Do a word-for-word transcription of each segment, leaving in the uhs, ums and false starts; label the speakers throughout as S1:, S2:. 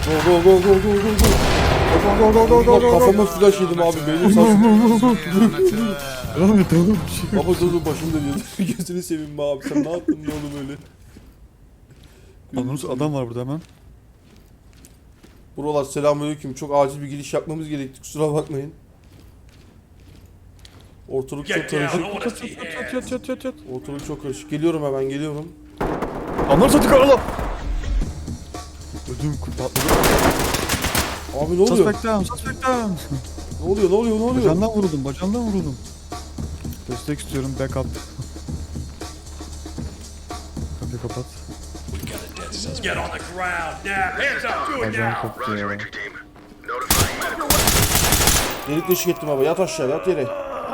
S1: Go go go go go go go.
S2: Go go go go go.
S1: Kafama flash yedim abi. Beynim sarsın.
S2: Oğlum bir oğlum bir şey.
S1: Baba dur dur başım dönüyor. Gözünü seveyim be abi. Sen ne yaptın be oğlum öyle?
S2: Anladınız adam var burada hemen.
S1: Buralar selamünaleyküm. Çok acil bir giriş yapmamız gerekti. Kusura bakmayın. Ortalık çok
S3: Get down. I
S1: karışık.
S3: want to see
S2: Yat
S3: hands.
S2: yat yat yat yat.
S1: Ortalık çok karışık. Geliyorum hemen geliyorum.
S2: Anlar sattık Allah. Ödüm patladı.
S1: Abi ne oluyor?
S2: Suspect down, suspect down.
S1: Ne oluyor? Ne oluyor? Ne oluyor?
S2: Bacağından vuruldum, bacağından vuruldum. Destek istiyorum, backup. Kapıyı kapat.
S3: Get on the ground now. Hands up. Do it
S2: Bacağım
S3: now.
S2: koptu ya.
S1: Delik deşik ettim abi. Yat aşağı yat yere.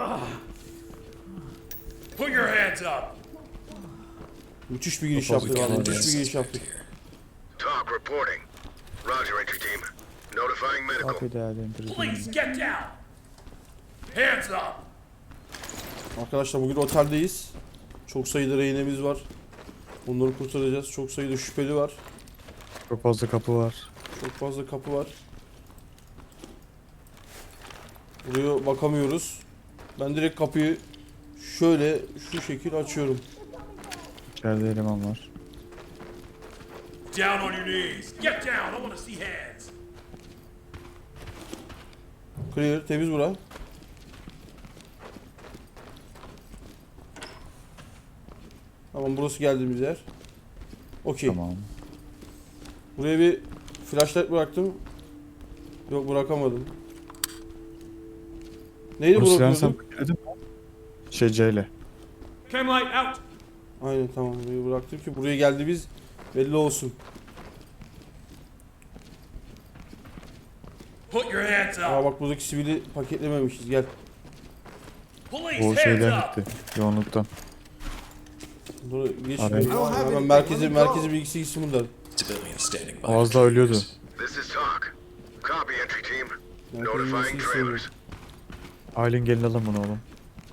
S3: Put your hands up.
S1: Müthiş bir giriş
S2: Çok
S1: yaptık
S2: fazla
S1: abi.
S2: geldi.
S1: Müthiş bir giriş yaptık.
S4: Talk reporting. Roger, entry team. Notifying medical.
S2: Kapıyı değerlendireceğim.
S3: Police, get down. Hands up.
S1: Arkadaşlar bugün oteldeyiz. Çok sayıda rehinemiz var. Onları kurtaracağız. Çok sayıda şüpheli var.
S2: Çok fazla kapı var.
S1: Çok fazla kapı var. Buraya bakamıyoruz. Ben direkt kapıyı şöyle şu şekil açıyorum.
S2: İçeride eleman var.
S3: Down on your knees. Get down. I want to see hands.
S1: Clear, temiz bura. Tamam burası geldiğimiz yer. Okey.
S2: Tamam.
S1: Buraya bir flashlight bıraktım. Yok bırakamadım. Neydi
S2: Bunu silahını sen
S1: bırakıyordum?
S2: paketledin mi? Şey C ile.
S3: Cam light out.
S1: Aynen tamam burayı bıraktım ki buraya geldiğimiz belli olsun.
S3: Put your hands
S1: Aa
S3: up.
S1: bak buradaki sivili paketlememişiz gel.
S3: Police,
S2: O
S3: hands
S2: şeyden
S3: up.
S2: gitti. Yoğunluktan.
S1: Dur geç
S2: Araya.
S1: şuraya. Hemen merkezi merkezi bilgisi gitsin bundan.
S5: Civilian standing by.
S2: O az daha ölüyordu.
S4: This is talk. Copy, entry team.
S1: Merkezi bilgisi
S4: Notifying
S1: istiyorum.
S4: trailers.
S2: Aylin gelin alın bunu oğlum.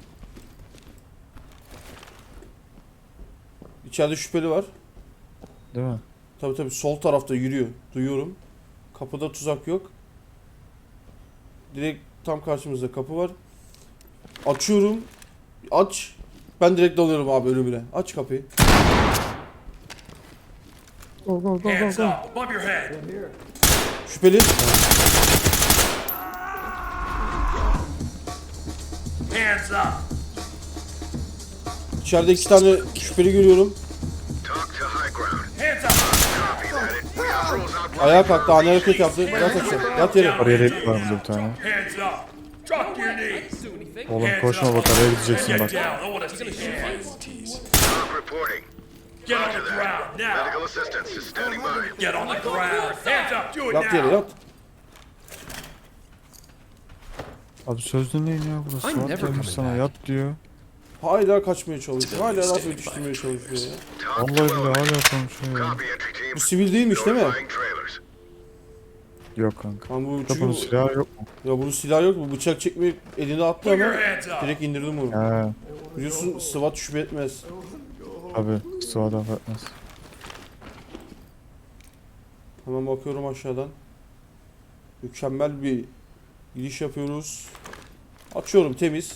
S1: İçeride şüpheli var.
S2: Değil mi?
S1: Tabi tabi sol tarafta yürüyor. Duyuyorum. Kapıda tuzak yok. Direkt tam karşımızda kapı var. Açıyorum. Aç. Ben direkt dalıyorum abi ölümüne. Aç kapıyı.
S3: Hands up. Above your head.
S1: Şüpheli.
S3: Hands up.
S1: İçeride iki tane şüpheli görüyorum.
S4: Talk to high ground.
S3: Hands up.
S4: Copy that. We have rules out.
S1: Ayağa kalktı. Ani hareket yaptı. Yat aşağı. Yat yere.
S2: Araya delik var burada bir tane.
S3: Hands up. Drop your knees.
S2: Oğlum koşma bak araya gideceksin
S3: Get
S2: bak.
S3: down. I want to see hands.
S4: Talk reporting.
S3: Get on
S4: Roger
S3: the
S4: that.
S3: ground now.
S4: Medical assistance is standing by.
S3: Get on the ground. Hands up. Do it
S1: Yat yere
S3: now.
S1: yat.
S2: Abi söz dinleyin ya burası.
S5: I'm
S2: Suat
S5: never
S2: gelmiş
S5: coming
S2: sana
S5: back.
S2: yat diyor.
S1: Hala kaçmaya çalışıyor. Hala laf yetiştirmeye çalışıyor ya.
S4: Talk
S2: Vallahi
S4: to
S2: bile hala
S4: element.
S2: konuşuyor ya.
S4: Copy, entry team.
S1: Bu sivil değilmiş değil mi?
S4: Notifying trailers.
S2: Yok kanka.
S1: Lan bu
S2: Bunun
S1: çünkü
S2: silahı yok mu?
S1: ya bunun silahı yok mu? Bıçak çekme eline attı
S3: Put your
S1: ama
S3: hands up.
S1: direkt indirdim bunu.
S2: He.
S1: Biliyorsun SWAT şüphe etmez.
S2: Abi sıvada affetmez.
S1: Hemen bakıyorum aşağıdan. Mükemmel bir giriş yapıyoruz. Açıyorum temiz.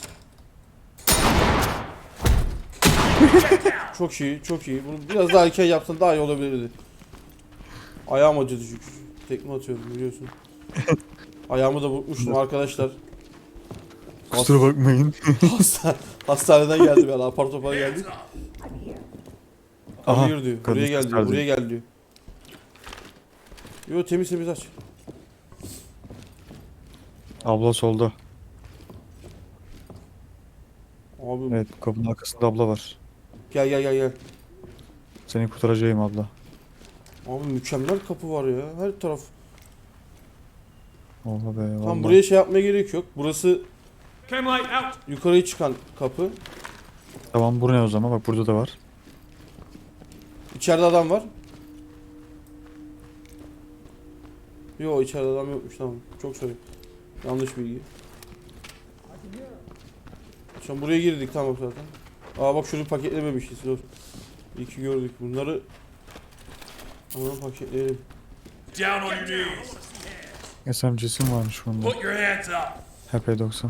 S1: Çok iyi, çok iyi. Bunu biraz daha erken yapsan daha iyi olabilirdi. Ayağım acıdı çünkü. Tekme atıyorum biliyorsun. Ayağımı da burkmuştum arkadaşlar.
S2: Kusura bakmayın.
S1: Hasta, hastaneden geldim yani apar topar geldik.
S3: Hands up.
S2: Aha.
S1: Hayır diyor.
S2: kadın
S1: Buraya gel diyor.
S2: gösterdi.
S1: Buraya gel diyor. Yo temiz temiz aç.
S2: Abla solda.
S1: Abi
S2: Evet kapının arkasında abla var.
S1: gel gel gel gel.
S2: Seni kurtaracağım abla.
S1: Abi mükemmel kapı var ya. Her taraf.
S2: Oha be
S1: Tam
S2: vallahi.
S1: buraya şey yapmaya gerek yok. Burası
S3: Cam light out.
S1: yukarıya çıkan kapı.
S2: Tamam bu ne o zaman bak burada da var.
S1: İçeride adam var. Yo içeride adam yokmuş tamam. Çok sorry. Yanlış bilgi. Şu an buraya girdik tamam zaten. Aa bak şunu paketlememişiz. Dur. İyi ki gördük bunları. Ama paketleyelim.
S3: Down on your knees.
S2: S M G'si mi varmış bunda?
S3: Put your hands up.
S2: H P doksan.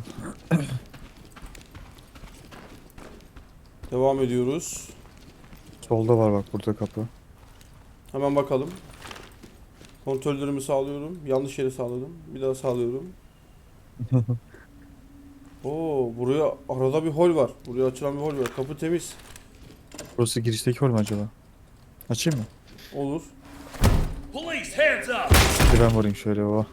S1: Devam ediyoruz.
S2: Solda var bak burada kapı.
S1: Hemen bakalım. Kontrollerimi sağlıyorum. Yanlış yere sağladım. Bir daha sağlıyorum. Oo, buraya arada bir hol var. Buraya açılan bir hol var. Kapı temiz.
S2: Burası girişteki hol mu acaba? Açayım mı?
S1: Olur.
S3: Police, hands up.
S2: Bir ben varayım şöyle o.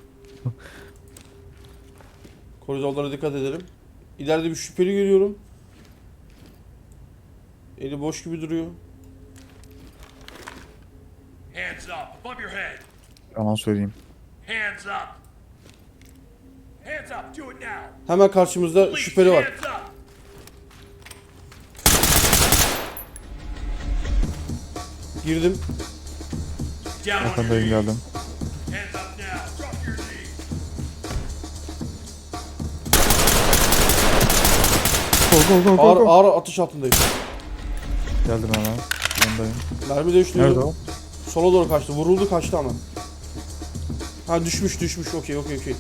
S1: Koridorlara dikkat edelim. İleride bir şüpheli görüyorum. Eli boş gibi duruyor.
S3: Hands up. Above your head.
S2: Aman söyleyeyim.
S3: Hands up. Hands up. Do it now.
S1: Hemen karşımızda
S3: Police,
S1: şüpheli var.
S3: hands up.
S1: Girdim.
S3: Down on your
S2: Arkandayım
S3: knees.
S2: geldim.
S3: Hands up now. Drop your knees.
S2: Go go go
S1: Ağır,
S2: go go.
S1: ağır atış altındayım.
S2: Geldim hemen. Yanındayım.
S1: Mermi değiştiriyorum.
S2: Nerede o?
S1: Sola doğru kaçtı. Vuruldu kaçtı ama. Ha düşmüş düşmüş. Okey okey okey.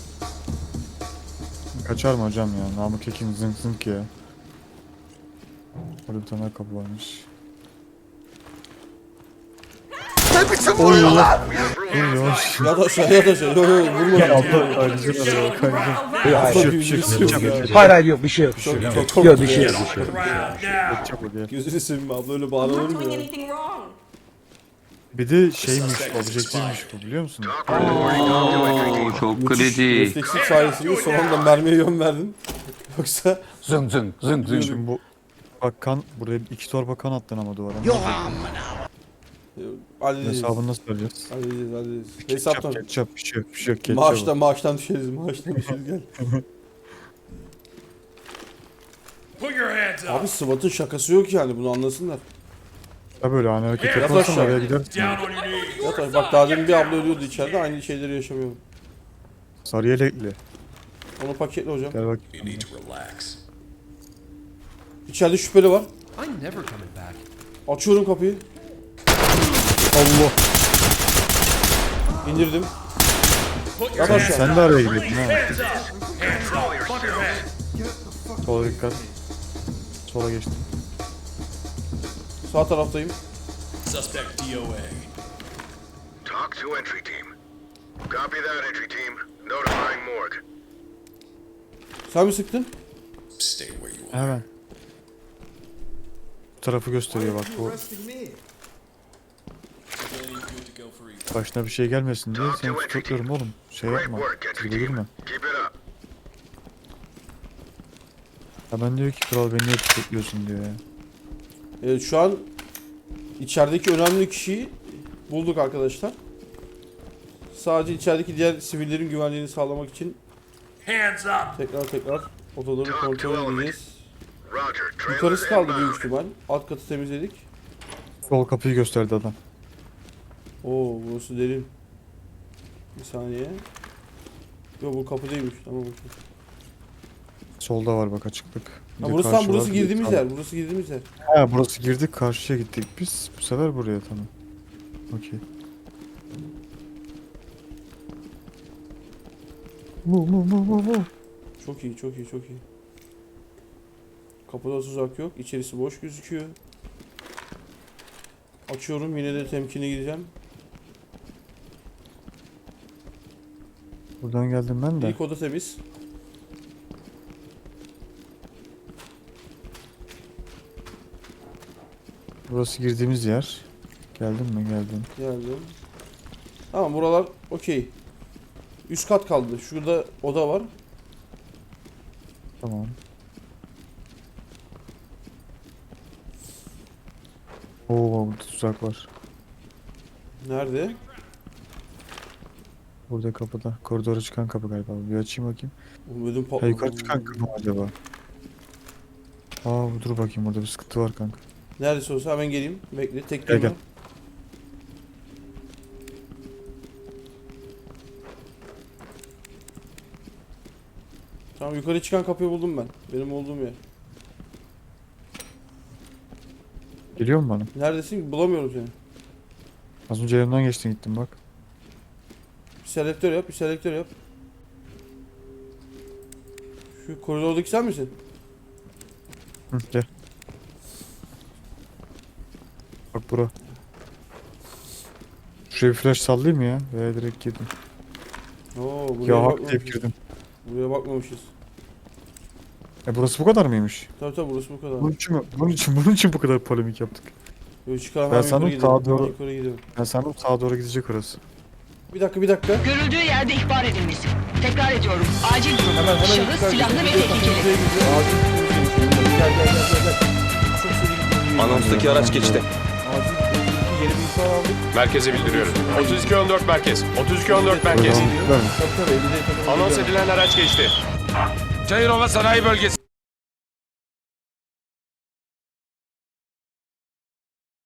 S2: Kaçar mı hocam ya? Namık Ekin zınk zınk ya. Orada bir tane kapı varmış. Oy Allah. Dur yavaş.
S1: Yat aşağı yat aşağı. Yok yok vurma.
S2: Ya abla kaydıracak araba kaydıracak.
S1: Atla
S2: Hayır,
S1: gibi
S2: bir şey yok,
S1: birisi
S2: bir
S1: yok
S2: şey yok,
S1: ya.
S2: bir şey yok.
S5: Hayır hayır yok bir şey yok.
S1: Çok, çok
S5: Yok
S1: korktum
S5: bir şey
S1: ya.
S5: yok. Bir şey yok.
S3: Ground now.
S2: Çabuk gel.
S1: Gözünü seveyim abla öyle
S6: I'm
S1: bağlanır
S6: not
S1: mı
S6: doing
S1: ya?
S6: anything wrong.
S2: Bir de şeymiş, objektifmiş bu biliyor musun?
S4: Talk reporting. Talk to entry team.
S7: Çok
S1: Müthiş
S7: kritik.
S1: refleksif sayesinde son anda mermiye yön verdin. Yoksa
S5: Zıng zıng zıng zıng.
S2: Şimdi bu bak kan buraya iki torba kan attın ama duvara.
S1: e, halledeceğiz.
S2: Hesabını nasıl vereceğiz?
S1: Halledeceğiz halledeceğiz.
S2: Ketçap,
S1: Hesaptan.
S2: ketçap bir şey yok, bir şey yok. Ketçap.
S1: Maaştan maaştan düşeriz maaştan düşeriz gel.
S3: Put your hands up.
S1: Abi SWAT'ın şakası yok yani bunu anlasınlar.
S2: Ha böyle hani hareket
S3: Yat
S2: yaparsan
S1: aşağı.
S2: oraya gidersin.
S3: Down on your knees.
S1: Ya tabii bak daha demin bir abla ölüyordu içeride aynı şeyleri yaşamıyorum.
S2: Sarı yelekli.
S1: Onu paketle hocam.
S2: Gel bak.
S3: You need to relax.
S1: İçeride şüpheli var.
S8: I'm never coming back.
S1: Açıyorum kapıyı.
S2: Allah.
S1: İndirdim.
S3: Put your
S1: Yat
S3: hands
S1: aşağı.
S2: Sen de araya girdin ha.
S3: Hands up. Hands up. Above your head.
S2: Sola dikkat. Sola geçtim.
S1: Sağ taraftayım.
S3: Suspect D O A.
S4: Talk to entry team. Copy that, entry team. Notifying morgue.
S1: Sen mi sıktın?
S3: Stay where you are.
S2: Hemen. Bu tarafı gösteriyor bak bu. Başına bir şey gelmesin diye seni tutuyorum oğlum. Şey
S4: Great
S2: yapma.
S4: work, entry
S2: Tribe girme.
S4: team. Keep it up.
S2: Hemen diyor ki kral beni niye tutukluyorsun diyor ya.
S1: Evet şu an içerideki önemli kişiyi bulduk arkadaşlar. Sadece içerideki diğer sivillerin güvenliğini sağlamak için
S3: Hands up.
S1: tekrar tekrar odaları kontrol edeceğiz.
S4: Roger.
S1: Yukarısı
S4: Trailers
S1: kaldı büyük
S4: inbound.
S1: ihtimal. Alt katı temizledik.
S2: Sol kapıyı gösterdi adam.
S1: Oo burası derin. Bir saniye. Yok bu kapı değilmiş. Tamam okey.
S2: Solda var bak açıklık. Bir
S1: Ha
S2: de
S1: burası tam
S2: karşı
S1: burası
S2: var.
S1: girdiğimiz
S2: Sağ-
S1: yer. Burası girdiğimiz yer.
S2: Ha burası girdik karşıya gittik biz. Bu sefer buraya tamam. Okey. Mu mu mu mu mu.
S1: Çok iyi, çok iyi, çok iyi. Kapıda tuzak yok. İçerisi boş gözüküyor. Açıyorum. Yine de temkinli gideceğim.
S2: Buradan geldim ben de.
S1: İlk oda temiz.
S2: Burası girdiğimiz yer. Geldin mi? Geldim.
S1: Geldim. Tamam buralar okey. Üst kat kaldı. Şurada oda var.
S2: Tamam. Oo burada tuzak var.
S1: Nerede?
S2: Burada kapıda. Koridora çıkan kapı galiba. Bir açayım bakayım.
S1: Ödüm
S2: Ha
S1: patladı.
S2: yukarı çıkan kapı mı acaba? Aa dur bakayım burada bir sıkıntı var kanka.
S1: Neredeyse olsa hemen geleyim. Bekle. Tek
S2: Gel,
S1: gelme.
S2: gel.
S1: Tamam yukarı çıkan kapıyı buldum ben. Benim olduğum yer.
S2: Geliyor mu bana?
S1: Neredesin? Bulamıyorum seni.
S2: Az önce yanımdan geçtin gittin bak.
S1: selektör yap, bir selektör yap. Şu koridordaki sen misin?
S2: Hı, gel. Bak bura. Şuraya bir flash sallayayım mı ya? Veya direkt girdim.
S1: Oo, buraya
S2: Ya hak deyip
S1: bakmamışız.
S2: girdim.
S1: Buraya bakmamışız.
S2: E burası bu kadar mıymış?
S1: Tabii tabii burası bu kadar.
S2: Bunun için mi? Bunun için, bunun için bu kadar polemik yaptık.
S1: Böyle çıkalım,
S2: Ben
S1: hemen
S2: sandım
S1: yukarı gidelim.
S2: sağa doğru-
S1: hemen yukarı gidelim.
S2: Ben sandım sağa doğru gidecek orası.
S1: Bir dakika bir dakika.
S6: Görüldüğü yerde ihbar edilmesi. Tekrar ediyorum. Acil durum.
S1: Hemen hemen
S6: Şahıs
S1: yukarı
S6: silahlı ve
S1: gidiyor,
S6: tehlikeli.
S1: gidiyor, gidiyor. Acil gidiyor. Gel gel gel gel gel. Çok seri gidiyor.
S7: Anonstaki araç geçti.
S1: Acil gidiyor. Yeni bir ihbar aldık.
S8: Merkeze bildiriyorum. otuz iki on dört merkez. otuz iki on dört merkez.
S2: Buradan gittiler mi?
S1: Tabii tabii elli değil, tabii.
S8: Anons edilen araç geçti.
S5: Çayırova Sanayi Bölgesi.